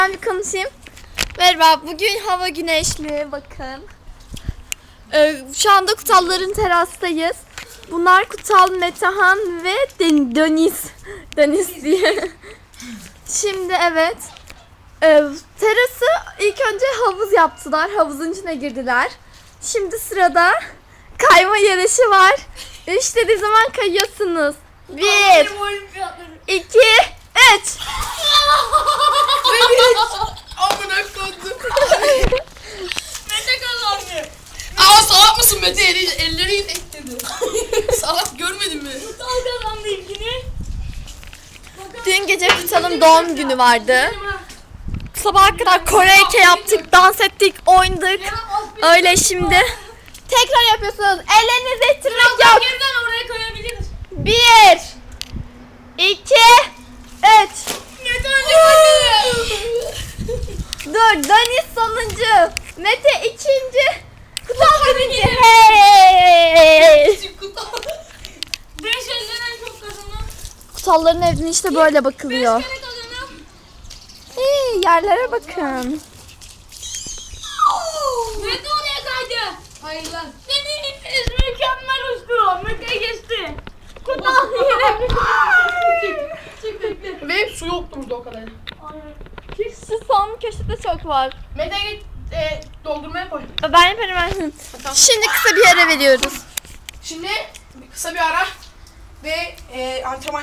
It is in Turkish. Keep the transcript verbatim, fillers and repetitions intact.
Ben bir konuşayım. Merhaba, bugün hava güneşli, bakın. Ee, şu anda Kutalların terastayız. Bunlar Kutal, Metehan ve Den- Deniz. Deniz diye. Şimdi evet. Ee, terası ilk önce havuz yaptılar. Havuzun içine girdiler. Şimdi sırada kayma yarışı var. Üç dediği zaman kayıyorsunuz. Bir, iki, üç. Amına koydum. Mete kazandı. Aa salak mısın Mete? Eli, elleri ekledi. Salak görmedin mi? Kutal kazandı ilkini. Dün gece Kutal'ın doğum günü vardı. Sabaha kadar Koreyke yaptık, dans ettik, oynadık. Öyle şimdi. Tekrar yapıyorsunuz. Ellerinizi ittirmek yok. Geriden oraya koyabiliriz. Bir, iki, üç. Mete önce koydu. Dur, Deniz sonuncu. Mete ikinci. Kutal birinci. Hey! Beş elden en çok kazanan. Kutalların evine işte böyle Beş bakılıyor. kere kazanan. Hey, yerlere bakın. Mete oraya kaydı. Hayır lan. Deniz mükemmel uçtu. Mete geçti. Kutal yine. Çık bekle. Ve su yoktu burada o kadar. Şu son köşede çok var. Mete git e, doldurmaya koy. Ben yaparım ben. Tamam. Şimdi kısa bir ara veriyoruz. Şimdi kısa bir ara ve e, antrenman